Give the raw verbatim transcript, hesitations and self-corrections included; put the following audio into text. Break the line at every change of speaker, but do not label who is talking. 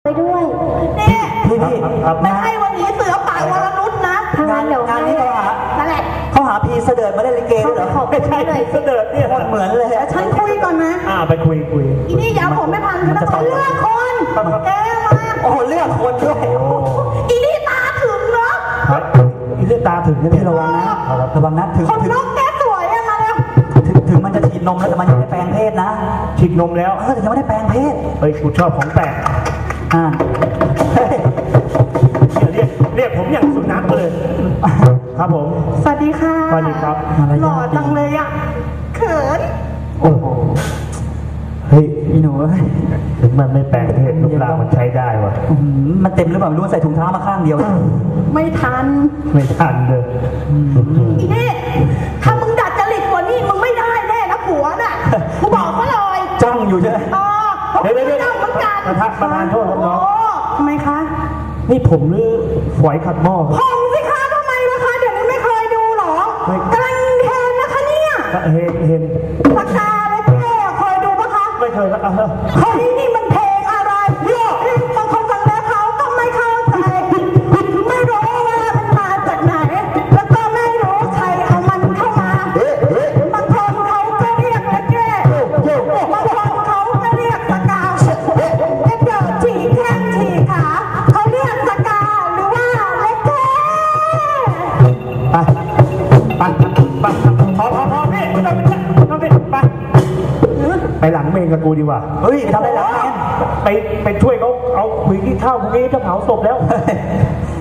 ไปด้วยนี่พี่พี่ไม่ใช่วันนี้เสือป่าวรนุชนะงานงานนี้เขาหานั่นแหละเขาหาพีเสด็จมาเล่นลิเกเหรอไม่ใช่เสด็จเนี่ยเหมือนเลยฉันคุยก่อนนะ
อ่าไปคุยคุย
อีนี่ยาวผมไม่พันแล้วก็เลือกคนแกมาโอ้เลือกคนด้วยอีนี่ตาถึงเนาะ
อีนี่ตาถึงนี่
ระวังนะระวังนะถึงคนนกแกสวยอะมาแล้วถึงมันจะฉีดนมแล้วแต่มันยังไม่แปลงเพศนะ
ฉีดนมแล้ว
เออแต่ยังไม่ได้แปลงเพศ
เฮ้ยกูชอบของแปลก
อ่า
เรียกเรียกผมอย่างสุนัขเลยครับผม
สวัสดีค่ะ
สวัสดีครับ
หล่อจังเลยอ่ะเขิน
โอ้โหเฮ้ย
อีหนู
ถึงมันไม่แปลงเพศลูกลามันใช้ได้วะ
มันเต็มหรือเปล่าไม่รู้ใส่ถุงเท้ามาข้างเดียวไม่ทัน
ไม่ทันเลย
อีนี่ถ้ามึงดัดจริตกว่านี้มึงไม่ได้แน่นะผัวน่ะกูบอกเขาเลยจ้องอยู่ใช่ไหมอ๋อเดี๋ยวเดี๋ยวจ้องเหมือนกัน
ประทักประทานโทษครับน้อง
ทำไมคะ
นี่ผมหรือฝอยขัดหม้อ
ผมสิคะทำไมวะคะเดี๋ยวนี้ไม่เคยดูหรอกำลังเห็นนะคะเนี่ย
เห็นเห็น
ปากกาเลยแกเคยดูปะคะ
ไม่เคยแล้ว
เฮ้ยนี่มันเพลงอะไรเนี่ยบางคนฟังแล้วเขาก็ไม่เข้าใจไม่รู้ว่ามันมาจากไหนแล้วก็ไม่รู้ใครเอามันเข้ามาบางคนเขาก็เรียกและแก้บางคนเขาก็เรียกปากกาเดี๋ยวฉีกแข้งฉีกขาเขาเรียกปากกาหรือว่าเล็กแก้
ไปไปไปพอพอพอพี่ไม่ต้องไปต้องไปไปไปหลังเมนกับกูดีกว่า
เฮ้ยทำอะไรหลังเมน
ไปไปช่วยเขาเอาคุยที่เท่าพวกนี้จะเผาศพแล้ว